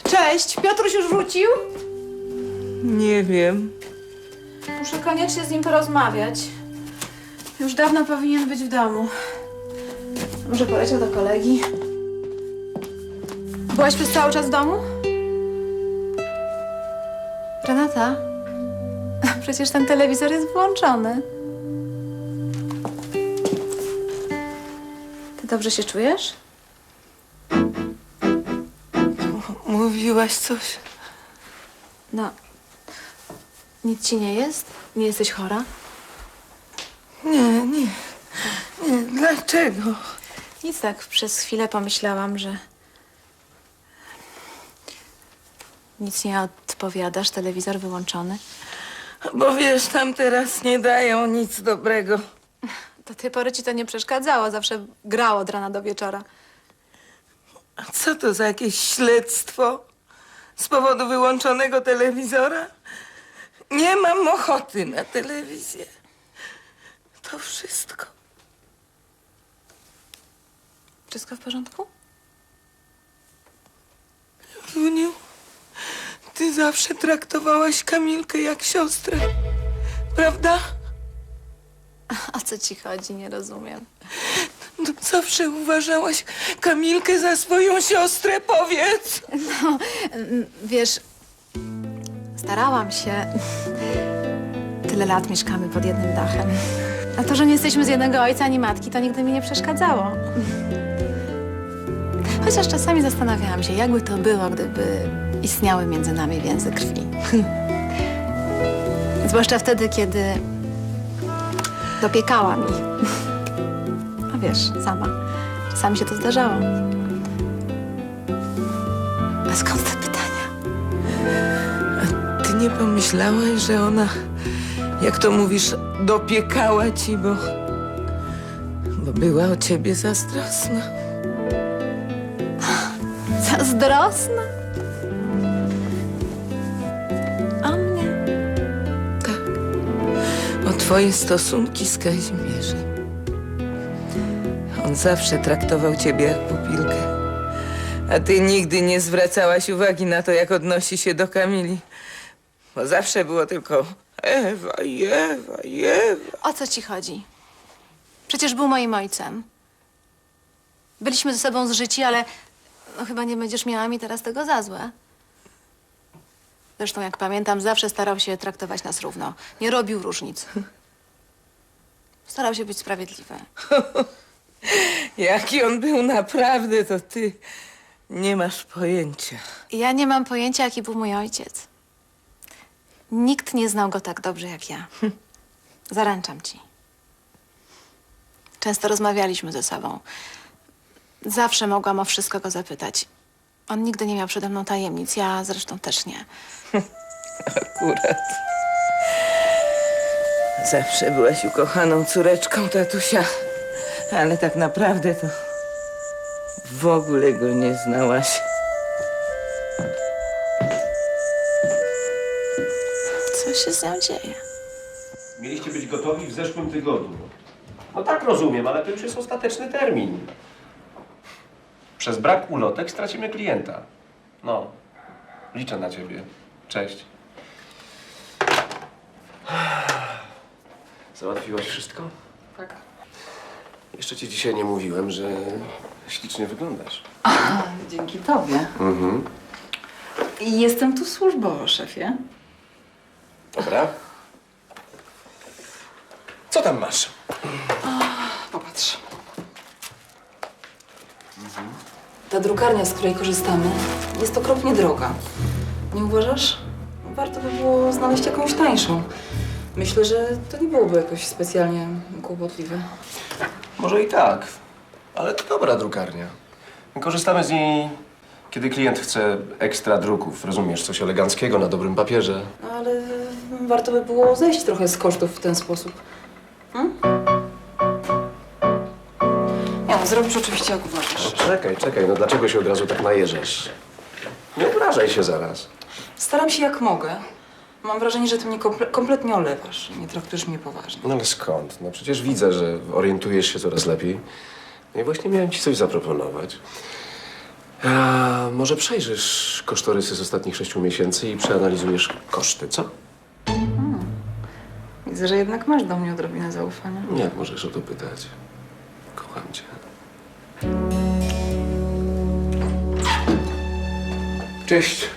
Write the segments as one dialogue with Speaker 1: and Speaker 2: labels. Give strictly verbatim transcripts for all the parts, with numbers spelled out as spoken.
Speaker 1: Cześć, Piotruś już wrócił?
Speaker 2: Nie wiem.
Speaker 1: Muszę koniecznie z nim porozmawiać. Już dawno powinien być w domu. Może poleciał do kolegi? Byłaś przez cały czas w domu? Renata? Przecież ten telewizor jest włączony. Ty dobrze się czujesz?
Speaker 2: Mówiłaś coś?
Speaker 1: No. Nic ci nie jest? Nie jesteś chora?
Speaker 2: Nie, nie. Nie, dlaczego?
Speaker 1: Nic, tak przez chwilę pomyślałam, że... Nic nie odpowiadasz, telewizor wyłączony.
Speaker 2: Bo wiesz, tam teraz nie dają nic dobrego.
Speaker 1: Do tej pory ci to nie przeszkadzało, zawsze grało od rana do wieczora.
Speaker 2: A co to za jakieś śledztwo? Z powodu wyłączonego telewizora? Nie mam ochoty na telewizję. To wszystko.
Speaker 1: Wszystko w porządku?
Speaker 2: Juniu, ty zawsze traktowałaś Kamilkę jak siostrę, prawda?
Speaker 1: O co ci chodzi? Nie rozumiem.
Speaker 2: No, zawsze uważałaś Kamilkę za swoją siostrę, powiedz!
Speaker 1: No, mm, wiesz, starałam się. Tyle lat mieszkamy pod jednym dachem. A to, że nie jesteśmy z jednego ojca ani matki, to nigdy mi nie przeszkadzało. Chociaż czasami zastanawiałam się, jakby to było, gdyby istniały między nami więzy krwi. Zwłaszcza wtedy, kiedy dopiekała mi. A wiesz, sama. Czasami się to zdarzało. A skąd te pytania?
Speaker 2: A ty nie pomyślałaś, że ona, jak to mówisz, dopiekała ci, bo... bo była o ciebie zazdrosna?
Speaker 1: Zazdrosna? O mnie?
Speaker 2: Tak. O twoje stosunki z Kazimierzem. On zawsze traktował ciebie jak pupilkę. A ty nigdy nie zwracałaś uwagi na to, jak odnosi się do Kamili. Bo zawsze było tylko Ewa i Ewa i Ewa.
Speaker 1: O co ci chodzi? Przecież był moim ojcem. Byliśmy ze sobą zżyci, ale no, chyba nie będziesz miała mi teraz tego za złe. Zresztą, jak pamiętam, zawsze starał się traktować nas równo. Nie robił różnic. Starał się być sprawiedliwy.
Speaker 2: Jaki on był naprawdę, to ty nie masz pojęcia.
Speaker 1: Ja nie mam pojęcia, jaki był mój ojciec. Nikt nie znał go tak dobrze jak ja. Zaręczam ci. Często rozmawialiśmy ze sobą. Zawsze mogłam o wszystko go zapytać. On nigdy nie miał przede mną tajemnic, ja zresztą też nie.
Speaker 2: Akurat. Zawsze byłaś ukochaną córeczką tatusia, ale tak naprawdę to w ogóle go nie znałaś.
Speaker 1: Co się z nią dzieje?
Speaker 3: Mieliście być gotowi w zeszłym tygodniu. No tak rozumiem, ale to już jest ostateczny termin. Przez brak ulotek stracimy klienta. No, liczę na ciebie. Cześć. Załatwiłaś wszystko?
Speaker 4: Tak.
Speaker 3: Jeszcze ci dzisiaj nie mówiłem, że ślicznie wyglądasz.
Speaker 4: Dzięki tobie.
Speaker 3: Mhm.
Speaker 4: I jestem tu służbowo, szefie.
Speaker 3: Dobra. Co tam masz?
Speaker 4: Popatrz. Ta drukarnia, z której korzystamy, jest okropnie droga. Nie uważasz? Warto by było znaleźć jakąś tańszą. Myślę, że to nie byłoby jakoś specjalnie kłopotliwe.
Speaker 3: Może i tak, ale to dobra drukarnia. Korzystamy z niej, kiedy klient chce ekstra druków. Rozumiesz, coś eleganckiego na dobrym papierze.
Speaker 4: Ale warto by było zejść trochę z kosztów w ten sposób. Hmm? Nie no, zrobisz oczywiście jak uważasz.
Speaker 3: No, czekaj, czekaj, no dlaczego się od razu tak najeżdżasz? Nie obrażaj się zaraz.
Speaker 4: Staram się jak mogę. Mam wrażenie, że ty mnie komple kompletnie olewasz. Nie traktujesz mnie poważnie.
Speaker 3: No ale skąd? No przecież widzę, że orientujesz się coraz lepiej. No i właśnie miałem ci coś zaproponować. A może przejrzysz kosztorysy z ostatnich sześciu miesięcy i przeanalizujesz koszty, co?
Speaker 4: Widzę, że jednak masz do mnie odrobinę zaufania.
Speaker 3: Jak możesz o to pytać? Kocham cię. Cześć.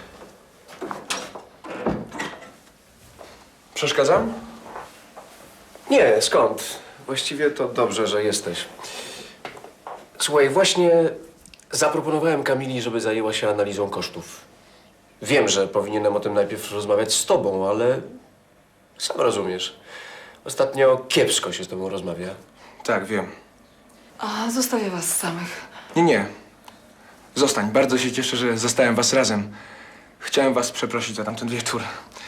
Speaker 3: Przeszkadzam? Nie, skąd? Właściwie to dobrze, że jesteś. Słuchaj, właśnie zaproponowałem Kamili, żeby zajęła się analizą kosztów. Wiem, że powinienem o tym najpierw rozmawiać z tobą, ale sam rozumiesz. Ostatnio kiepsko się z tobą rozmawia.
Speaker 5: Tak, wiem.
Speaker 4: A zostawię was samych.
Speaker 5: Nie, nie. Zostań. Bardzo się cieszę, że zostałem was razem. Chciałem was przeprosić za tamten wieczór.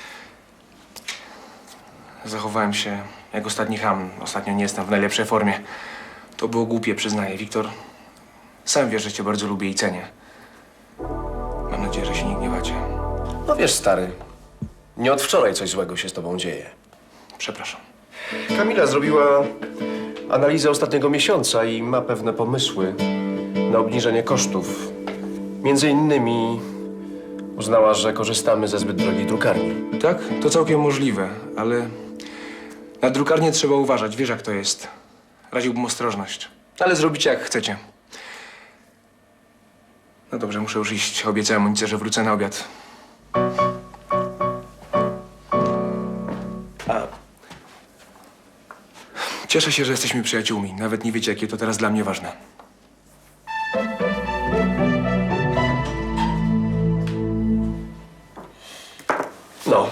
Speaker 5: Zachowałem się jak ostatni cham. Ostatnio nie jestem w najlepszej formie. To było głupie, przyznaję. Wiktor, sam wiesz, że cię bardzo lubię i cenię. Mam nadzieję, że się nie gniewacie.
Speaker 3: No wiesz, stary, nie od wczoraj coś złego się z tobą dzieje.
Speaker 5: Przepraszam.
Speaker 3: Kamila zrobiła analizę ostatniego miesiąca i ma pewne pomysły na obniżenie kosztów. Między innymi uznała, że korzystamy ze zbyt drogiej drukarni.
Speaker 5: Tak, to całkiem możliwe, ale na drukarnię trzeba uważać. Wiesz, jak to jest. Radziłbym ostrożność. Ale zrobicie, jak chcecie. No dobrze, muszę już iść. Obiecałem Monice, że wrócę na obiad. A... Cieszę się, że jesteśmy przyjaciółmi. Nawet nie wiecie, jakie to teraz dla mnie ważne.
Speaker 3: No.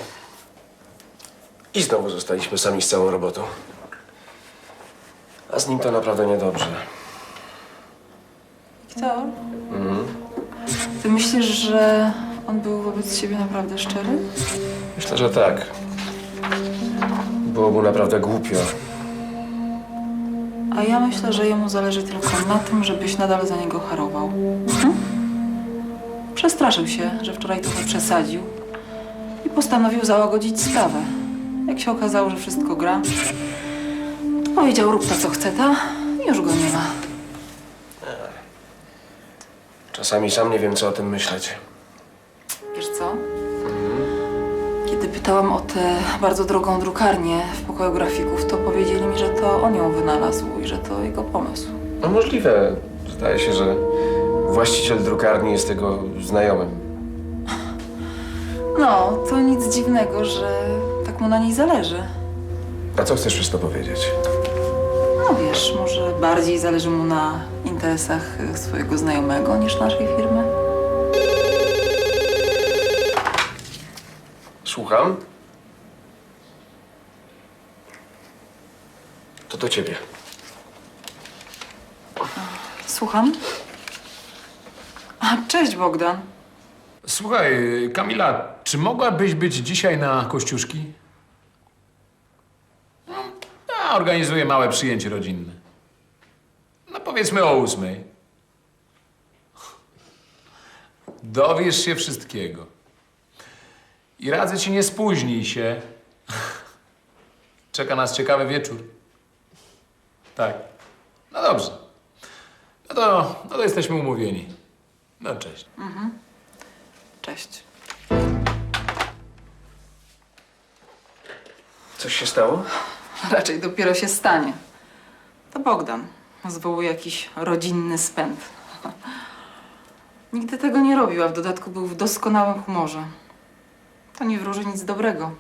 Speaker 3: I znowu zostaliśmy sami z całą robotą. A z nim to naprawdę niedobrze.
Speaker 4: Wiktor? Ty myślisz, że on był wobec ciebie naprawdę szczery?
Speaker 3: Myślę, że tak. Było mu naprawdę głupio.
Speaker 4: A ja myślę, że jemu zależy tylko na tym, żebyś nadal za niego harował. Mhm. Przestraszył się, że wczoraj trochę przesadził i postanowił załagodzić sprawę. Jak się okazało, że wszystko gra, to powiedział, rób to, co chce ta i już go nie ma.
Speaker 3: Czasami sam nie wiem, co o tym myśleć.
Speaker 4: Wiesz co? Kiedy pytałam o tę bardzo drogą drukarnię w pokoju grafików, to powiedzieli mi, że to on ją wynalazł i że to jego pomysł.
Speaker 3: No możliwe. Zdaje się, że właściciel drukarni jest jego znajomym.
Speaker 4: No, to nic dziwnego, że tak mu na niej zależy.
Speaker 3: A co chcesz przez to powiedzieć?
Speaker 4: No wiesz, może bardziej zależy mu na interesach swojego znajomego niż naszej firmy.
Speaker 3: Słucham? To do ciebie.
Speaker 4: Słucham? A, cześć Bogdan.
Speaker 6: Słuchaj, Kamila, czy mogłabyś być dzisiaj na Kościuszki? No, ja organizuję małe przyjęcie rodzinne. No powiedzmy o ósmej. Dowiesz się wszystkiego. I radzę ci, nie spóźnij się. Czeka nas ciekawy wieczór. Tak. No dobrze. No to, no to jesteśmy umówieni. No cześć.
Speaker 4: Cześć.
Speaker 3: Coś się stało?
Speaker 4: Raczej dopiero się stanie. To Bogdan. Zwołuje jakiś rodzinny spęd. Nigdy tego nie robił, a w dodatku był w doskonałym humorze. To nie wróży nic dobrego.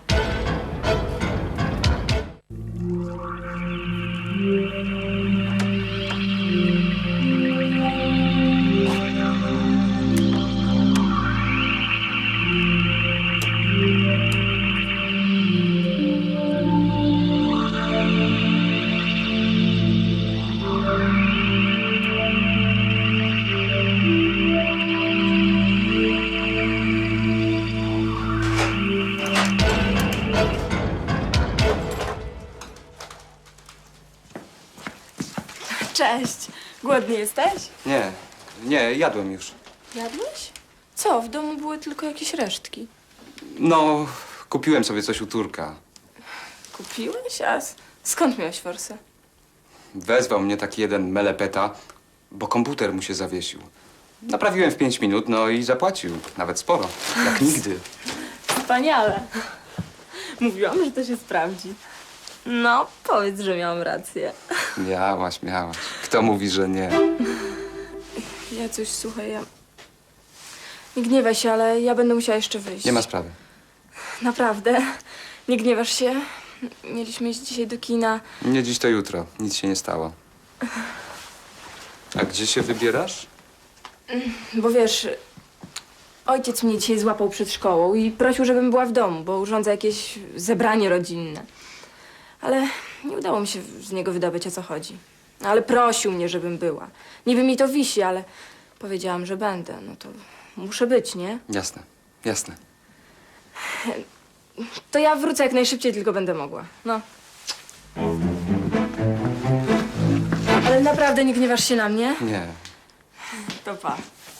Speaker 7: Cześć. Głodny jesteś?
Speaker 8: Nie, nie, jadłem już.
Speaker 7: Jadłeś? Co? W domu były tylko jakieś resztki.
Speaker 8: No, kupiłem sobie coś u Turka.
Speaker 7: Kupiłeś? A s- skąd miałeś forsę?
Speaker 8: Wezwał mnie taki jeden melepeta, bo komputer mu się zawiesił. Naprawiłem w pięć minut, no i zapłacił. Nawet sporo. Jak nigdy.
Speaker 7: Wspaniale. Mówiłam, że to się sprawdzi. No, powiedz, że miałam rację.
Speaker 8: Miałaś, miałaś. Kto mówi, że nie?
Speaker 7: Ja coś, słuchaj, ja... Nie gniewaj się, ale ja będę musiała jeszcze wyjść.
Speaker 8: Nie ma sprawy.
Speaker 7: Naprawdę. Nie gniewasz się? Mieliśmy iść dzisiaj do kina.
Speaker 8: Nie dziś to jutro. Nic się nie stało. A gdzie się wybierasz?
Speaker 7: Bo wiesz, ojciec mnie dzisiaj złapał przed szkołą i prosił, żebym była w domu, bo urządza jakieś zebranie rodzinne. Ale nie udało mi się z niego wydobyć, o co chodzi. Ale prosił mnie, żebym była. Niby mi to wisi, ale powiedziałam, że będę. No to muszę być, nie?
Speaker 8: Jasne, jasne.
Speaker 7: To ja wrócę jak najszybciej, tylko będę mogła. No. Ale naprawdę nie gniewasz się na mnie?
Speaker 8: Nie.
Speaker 7: To pa.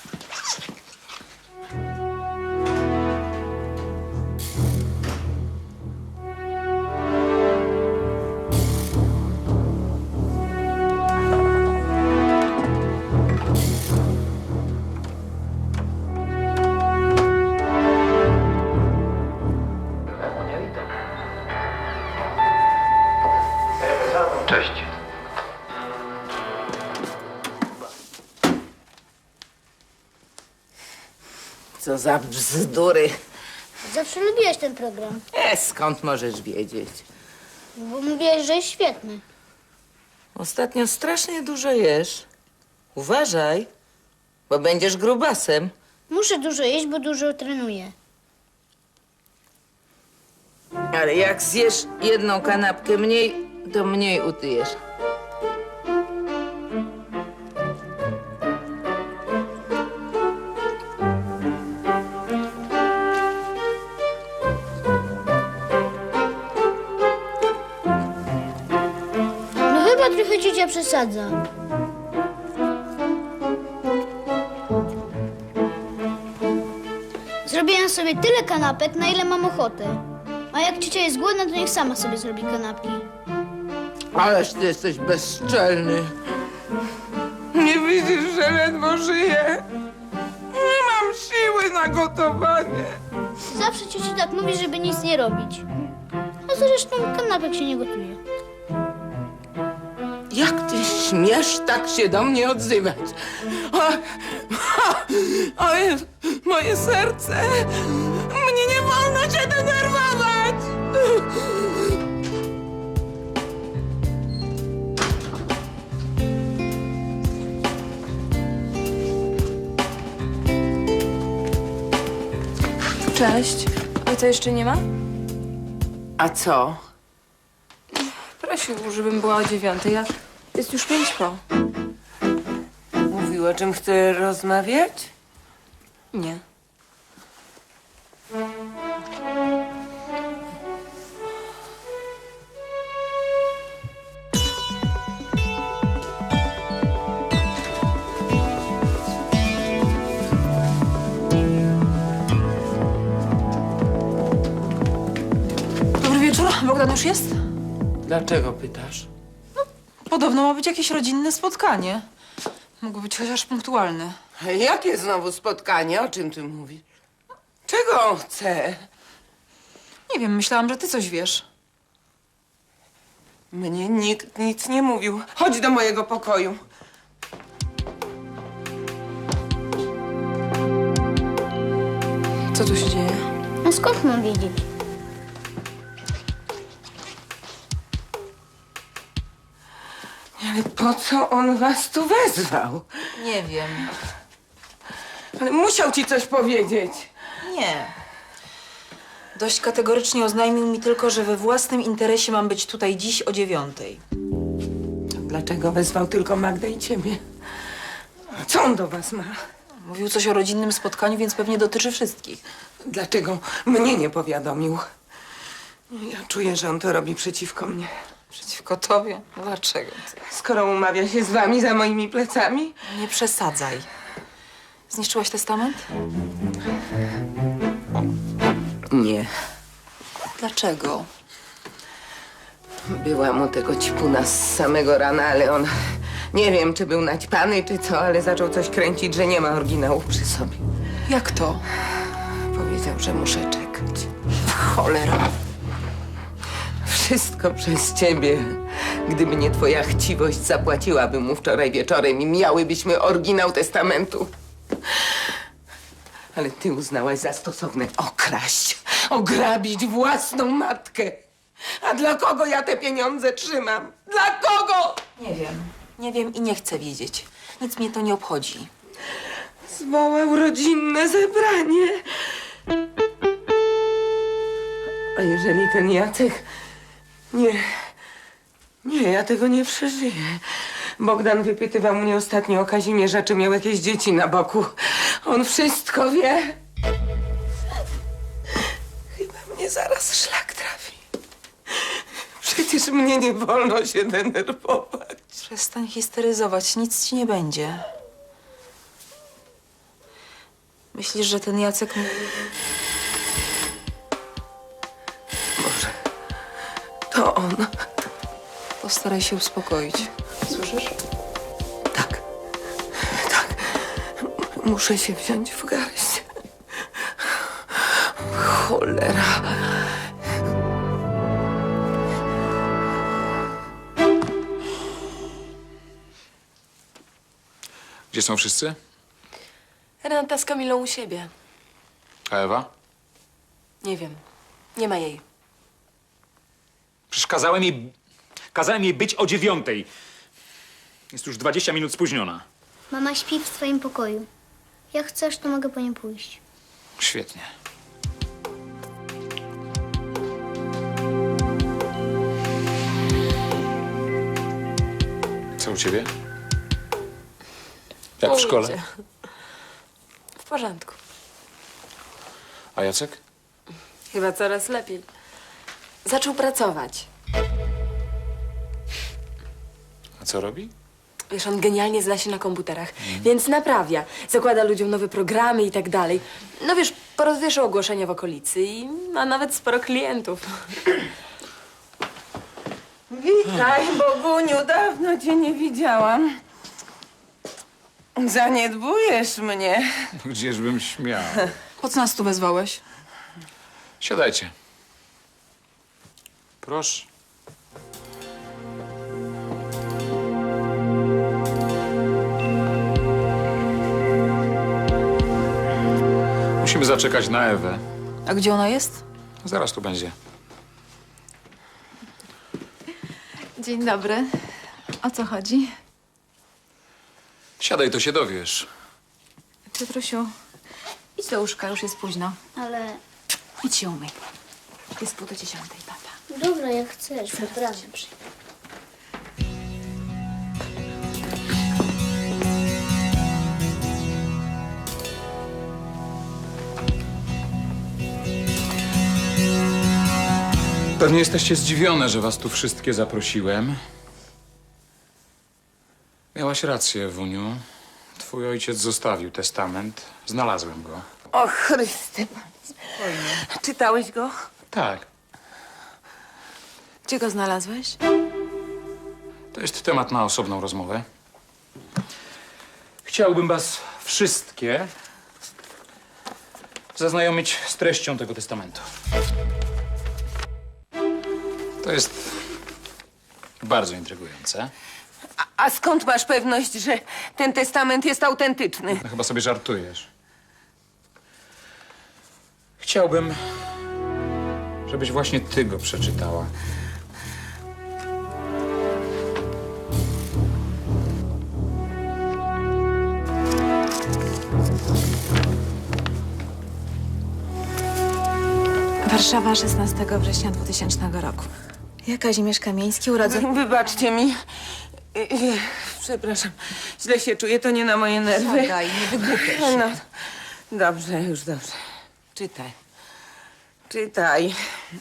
Speaker 3: Cześć.
Speaker 2: Co za bzdury.
Speaker 9: Zawsze lubiłeś ten program,
Speaker 2: E, skąd możesz wiedzieć?
Speaker 9: bo mówiłeś, że jest świetny.
Speaker 2: Ostatnio strasznie dużo jesz. Uważaj, bo będziesz grubasem.
Speaker 9: Muszę dużo jeść, bo dużo trenuję.
Speaker 2: Ale jak zjesz jedną kanapkę mniej, to mniej utyjesz.
Speaker 9: No chyba trochę ciocia przesadza. Zrobiłem sobie tyle kanapek, na ile mam ochotę. A jak ciocia jest głodna, to niech sama sobie zrobi kanapki.
Speaker 2: Ależ ty jesteś bezczelny. Nie widzisz, że ledwo żyję? Nie mam siły na gotowanie.
Speaker 9: Zawsze ciocia tak mówi, żeby nic nie robić. A zresztą kanapek się nie gotuje.
Speaker 2: Jak ty śmiesz tak się do mnie odzywać? O, o, o Jezu, moje serce! Mnie nie wolno cię denerwować!
Speaker 7: Cześć. Ojca jeszcze nie ma?
Speaker 2: A co?
Speaker 7: Prosił, żebym była o dziewiątej, a jest już pięć po.
Speaker 2: Mówił, o czym chce rozmawiać?
Speaker 7: Nie.
Speaker 4: Dobry wieczór. Bogdan już jest?
Speaker 2: Dlaczego pytasz?
Speaker 4: Podobno ma być jakieś rodzinne spotkanie. Mógł być chociaż punktualny.
Speaker 2: Jakie znowu spotkanie? O czym ty mówisz? Czego on chce?
Speaker 4: Nie wiem, myślałam, że ty coś wiesz.
Speaker 2: Mnie nikt nic nie mówił. Chodź do mojego pokoju.
Speaker 7: Co tu się dzieje?
Speaker 9: No skąd mam wiedzieć?
Speaker 2: Ale po co on was tu wezwał?
Speaker 4: Nie wiem.
Speaker 2: Ale musiał ci coś powiedzieć.
Speaker 4: Nie. Dość kategorycznie oznajmił mi tylko, że we własnym interesie mam być tutaj dziś o dziewiątej.
Speaker 2: Dlaczego wezwał tylko Magdę i ciebie? Co on do was ma?
Speaker 4: Mówił coś o rodzinnym spotkaniu, więc pewnie dotyczy wszystkich.
Speaker 2: Dlaczego mnie nie powiadomił? Ja czuję, że on to robi przeciwko mnie.
Speaker 4: Przeciwko tobie? Dlaczego ty?
Speaker 2: Skoro umawia się z wami za moimi plecami?
Speaker 4: Nie przesadzaj. Zniszczyłaś testament?
Speaker 2: Nie.
Speaker 4: Dlaczego?
Speaker 2: Byłam u tego cipuna z samego rana, ale on Nie wiem, czy był naćpany, czy co, ale zaczął coś kręcić, że nie ma oryginałów przy sobie.
Speaker 4: Jak to?
Speaker 2: Powiedział, że muszę czekać. Cholera. Wszystko przez ciebie. Gdyby nie twoja chciwość, zapłaciłabym mu wczoraj wieczorem i miałybyśmy oryginał testamentu. Ale ty uznałaś za stosowne okraść, ograbić własną matkę. A dla kogo ja te pieniądze trzymam? Dla kogo?
Speaker 4: Nie wiem. Nie wiem i nie chcę wiedzieć. Nic mnie to nie obchodzi.
Speaker 2: Zwołał rodzinne zebranie. A jeżeli ten Jacek... Nie, nie, ja tego nie przeżyję. Bogdan wypytywał mnie ostatnio o Kazimierza, czy miał jakieś dzieci na boku. On wszystko wie. Chyba mnie zaraz szlak trafi. Przecież mnie nie wolno się denerwować.
Speaker 4: Przestań histeryzować, nic ci nie będzie. Myślisz, że ten Jacek... mówi-
Speaker 2: Może to on.
Speaker 4: Postaraj się uspokoić. Słyszysz?
Speaker 2: Tak, tak. Muszę się wziąć w garść. Cholera.
Speaker 6: Gdzie są wszyscy?
Speaker 7: Renata z Kamilą u siebie.
Speaker 6: A Ewa?
Speaker 7: Nie wiem. Nie ma jej.
Speaker 10: Przecież kazałem jej... Kazałem jej być o dziewiątej. Jest już dwadzieścia minut spóźniona.
Speaker 9: Mama śpi w swoim pokoju. Jak chcesz, to mogę po nią pójść.
Speaker 6: Świetnie. Co u ciebie? Jak w szkole?
Speaker 7: Idzie. W porządku.
Speaker 6: A Jacek?
Speaker 7: Chyba coraz lepiej. Zaczął pracować.
Speaker 6: A co robi?
Speaker 7: Wiesz, on genialnie zna się na komputerach, więc naprawia. Zakłada ludziom nowe programy i tak dalej. No wiesz, porozwieszał ogłoszenia w okolicy i ma nawet sporo klientów.
Speaker 2: Witaj, Boguniu, dawno cię nie widziałam. Zaniedbujesz mnie.
Speaker 6: Gdzieżbym śmiał.
Speaker 4: Po co nas tu wezwałeś?
Speaker 6: Siadajcie. Proszę. Musimy zaczekać na Ewę.
Speaker 4: A gdzie ona jest?
Speaker 6: Zaraz tu będzie.
Speaker 1: Dzień dobry. O co chodzi?
Speaker 6: Siadaj, to się dowiesz.
Speaker 1: Piotrusiu, idź do łóżka, już jest późno.
Speaker 9: Ale
Speaker 1: Idź się umyj. Jest pół do dziesiątej, papa.
Speaker 9: dobra, jak chcesz, naprawdę.
Speaker 6: Pewnie jesteście zdziwione, że was tu wszystkie zaprosiłem. Miałaś rację, Ewuniu. Twój ojciec zostawił testament. Znalazłem go.
Speaker 2: O Chryste. Czytałeś go?
Speaker 6: Tak.
Speaker 1: Gdzie go znalazłeś?
Speaker 6: To jest temat na osobną rozmowę. Chciałbym was wszystkie zaznajomić z treścią tego testamentu. To jest bardzo intrygujące.
Speaker 2: A, a skąd masz pewność, że ten testament jest autentyczny?
Speaker 6: No, chyba sobie żartujesz. Chciałbym, żebyś właśnie ty go przeczytała.
Speaker 1: Warszawa, szesnastego września dwutysięcznego roku. Ja, Kazimierz Kamieński, urodzony...
Speaker 2: Wybaczcie mi. Y, y, Przepraszam. Źle się czuję, to nie na moje nerwy.
Speaker 4: Siadaj, nie wygłupiaj się.
Speaker 2: No, dobrze, już dobrze. Czytaj. Czytaj.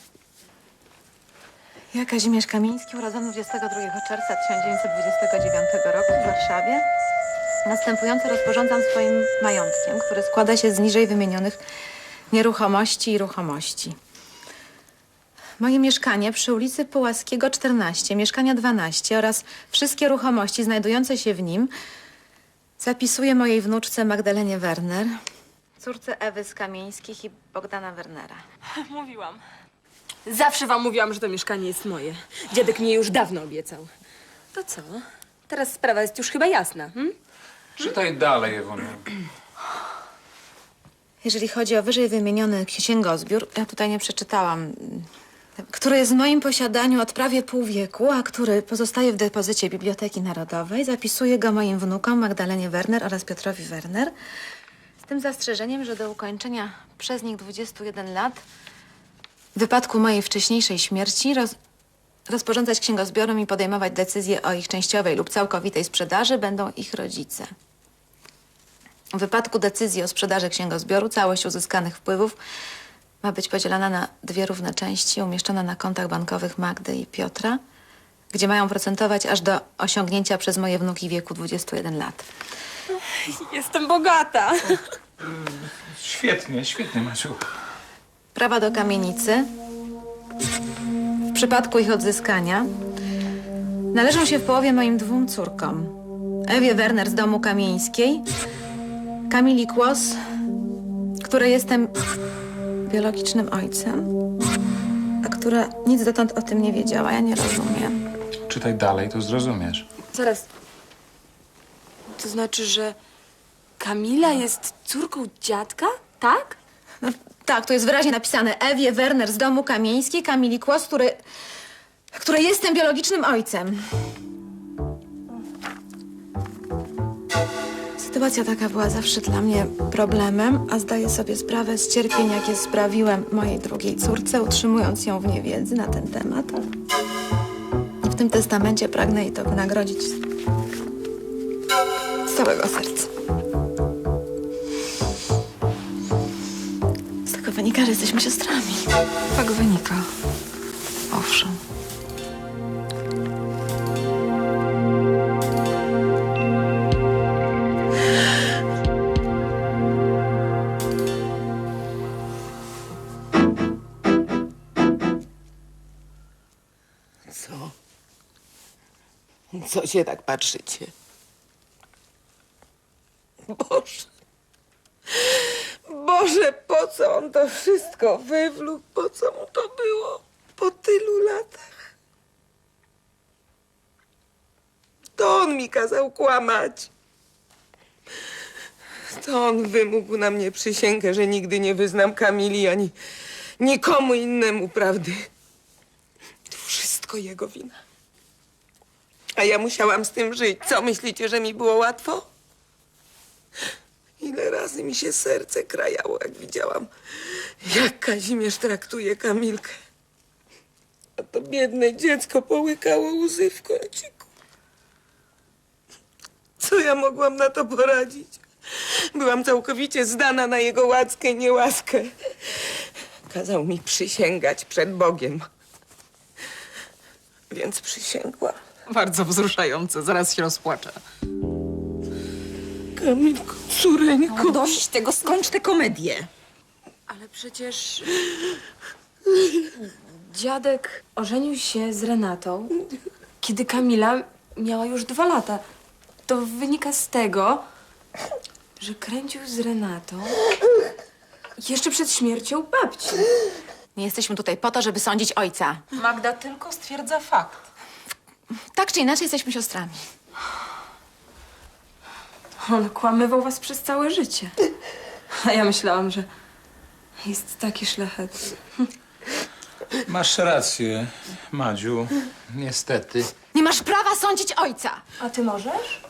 Speaker 1: Ja, Kazimierz Kamiński, urodzony dwudziestego drugiego czerwca tysiąc dziewięćset dwudziestego dziewiątego roku w Warszawie, następująco rozporządzam swoim majątkiem, który składa się z niżej wymienionych nieruchomości i ruchomości. moje mieszkanie przy ulicy Pułaskiego czternaście, mieszkania dwanaście oraz wszystkie ruchomości znajdujące się w nim zapisuję mojej wnuczce Magdalenie Werner, córce Ewy z Kamieńskich i Bogdana Wernera.
Speaker 7: Mówiłam. Zawsze wam mówiłam, że to mieszkanie jest moje. Dziadek mnie już dawno obiecał. To co? Teraz sprawa jest już chyba jasna, hm?
Speaker 6: Czytaj dalej, Ewoniu.
Speaker 1: Jeżeli chodzi o wyżej wymieniony księgozbiór, ja tutaj nie przeczytałam, który jest w moim posiadaniu od prawie pół wieku, a który pozostaje w depozycie Biblioteki Narodowej, zapisuję go moim wnukom Magdalenie Werner oraz Piotrowi Werner, z tym zastrzeżeniem, że do ukończenia przez nich dwudziestu jeden lat, w wypadku mojej wcześniejszej śmierci, roz, rozporządzać księgozbiorem i podejmować decyzje o ich częściowej lub całkowitej sprzedaży będą ich rodzice. W wypadku decyzji o sprzedaży księgozbioru całość uzyskanych wpływów ma być podzielona na dwie równe części, umieszczona na kontach bankowych Magdy i Piotra, gdzie mają procentować aż do osiągnięcia przez moje wnuki wieku dwudziestu jeden lat.
Speaker 7: Jestem bogata.
Speaker 6: Świetnie, świetnie, Maciu.
Speaker 1: Prawa do kamienicy, w przypadku ich odzyskania, należą się w połowie moim dwóm córkom. Ewie Werner z domu Kamieńskiej, Kamili Kłos, której jestem biologicznym ojcem, a która nic dotąd o tym nie wiedziała. Ja nie rozumiem.
Speaker 6: Czytaj dalej, to zrozumiesz.
Speaker 7: Zaraz. To znaczy, że Kamila jest córką dziadka? Tak?
Speaker 1: No, tak, tu jest wyraźnie napisane. Ewie Werner z domu Kamieńskiej, Kamili Kłos, który, której jestem biologicznym ojcem. Sytuacja taka była zawsze dla mnie problemem, a zdaję sobie sprawę z cierpień, jakie sprawiłem mojej drugiej córce, utrzymując ją w niewiedzy na ten temat. W tym testamencie pragnę jej to wynagrodzić z całego serca. Z tego wynika, że jesteśmy siostrami.
Speaker 4: Tak wynika. Owszem.
Speaker 2: Co? Co się tak patrzycie? Boże. Boże, po co on to wszystko wywlókł? Po co mu to było? Po tylu latach? To on mi kazał kłamać. To on wymógł na mnie przysięgę, że nigdy nie wyznam Kamili ani nikomu innemu prawdy. To wszystko jego wina. A ja musiałam z tym żyć. Co myślicie, że mi było łatwo? Ile razy mi się serce krajało, jak widziałam, jak Kazimierz traktuje Kamilkę. A to biedne dziecko połykało łzy w kąciku. Co ja mogłam na to poradzić? Byłam całkowicie zdana na jego łaskę i niełaskę. Kazał mi przysięgać przed Bogiem. Więc przysięgłam.
Speaker 4: Bardzo wzruszające, zaraz się rozpłaczę.
Speaker 2: Kamilko, córeńko.
Speaker 4: No dość tego, skończ tę komedię.
Speaker 7: Ale przecież dziadek ożenił się z Renatą, kiedy Kamila miała już dwa lata. To wynika z tego, że kręcił z Renatą jeszcze przed śmiercią babci.
Speaker 1: Nie jesteśmy tutaj po to, żeby sądzić ojca.
Speaker 4: Magda tylko stwierdza fakt.
Speaker 1: Tak czy inaczej jesteśmy siostrami.
Speaker 7: On kłamywał was przez całe życie. A ja myślałam, że jest taki szlachetny.
Speaker 6: Masz rację, Madziu. Niestety.
Speaker 1: Nie masz prawa sądzić ojca!
Speaker 7: A ty możesz?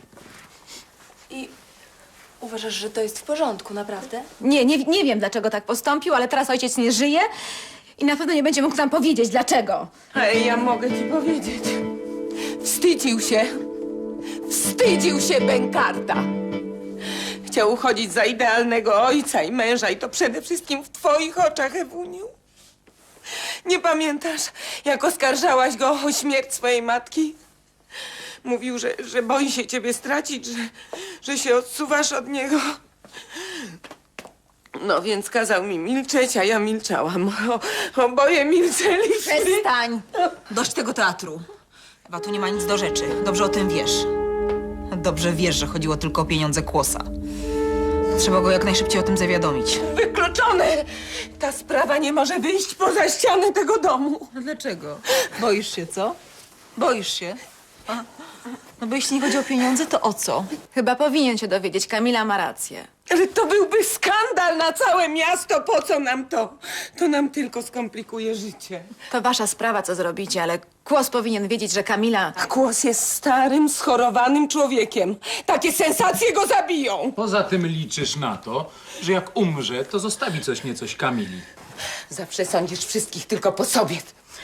Speaker 7: I uważasz, że to jest w porządku, naprawdę?
Speaker 1: Nie, nie, nie wiem, dlaczego tak postąpił, ale teraz ojciec nie żyje i na pewno nie będzie mógł nam powiedzieć, dlaczego.
Speaker 2: Ale ja mogę ci powiedzieć. Wstydził się. Wstydził się Bękarta. Chciał uchodzić za idealnego ojca i męża i to przede wszystkim w twoich oczach, Ewuniu. Nie pamiętasz, jak oskarżałaś go o śmierć swojej matki? Mówił, że, że boi się ciebie stracić, że, że się odsuwasz od niego. No więc kazał mi milczeć, a ja milczałam. O, oboje milczeli.
Speaker 11: Przestań! Dość tego teatru. Chyba tu nie ma nic do rzeczy. Dobrze o tym wiesz. Dobrze wiesz, że chodziło tylko o pieniądze Kłosa. Trzeba go jak najszybciej o tym zawiadomić.
Speaker 2: Wykluczone! Ta sprawa nie może wyjść poza ściany tego domu.
Speaker 11: A dlaczego? Boisz się, co? Boisz się? A? No bo jeśli nie chodzi o pieniądze, to o co?
Speaker 1: Chyba powinien się dowiedzieć, Kamila ma rację.
Speaker 2: Ale to byłby skandal na całe miasto. Po co nam to? To nam tylko skomplikuje życie.
Speaker 1: To wasza sprawa, co zrobicie, ale Kłos powinien wiedzieć, że Kamila...
Speaker 2: Kłos jest starym, schorowanym człowiekiem. Takie sensacje go zabiją.
Speaker 6: Poza tym liczysz na to, że jak umrze, to zostawi coś niecoś Kamili.
Speaker 2: Zawsze sądzisz wszystkich tylko po sobie.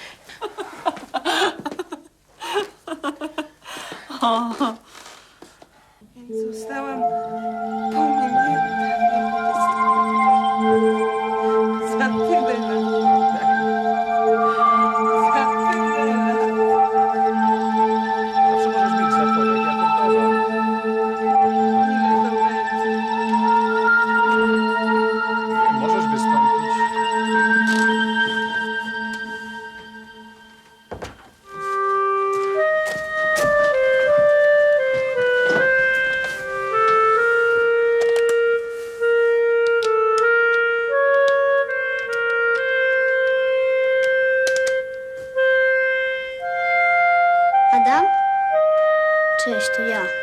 Speaker 2: Więc zostałam pominięta. Za tyle lat. Za tyle lat.
Speaker 6: Zawsze możesz mieć zapowiedź, jako wdowa.
Speaker 2: Ile to będzie?
Speaker 6: Możesz wystąpić.
Speaker 9: Adam? Cześć, to ja.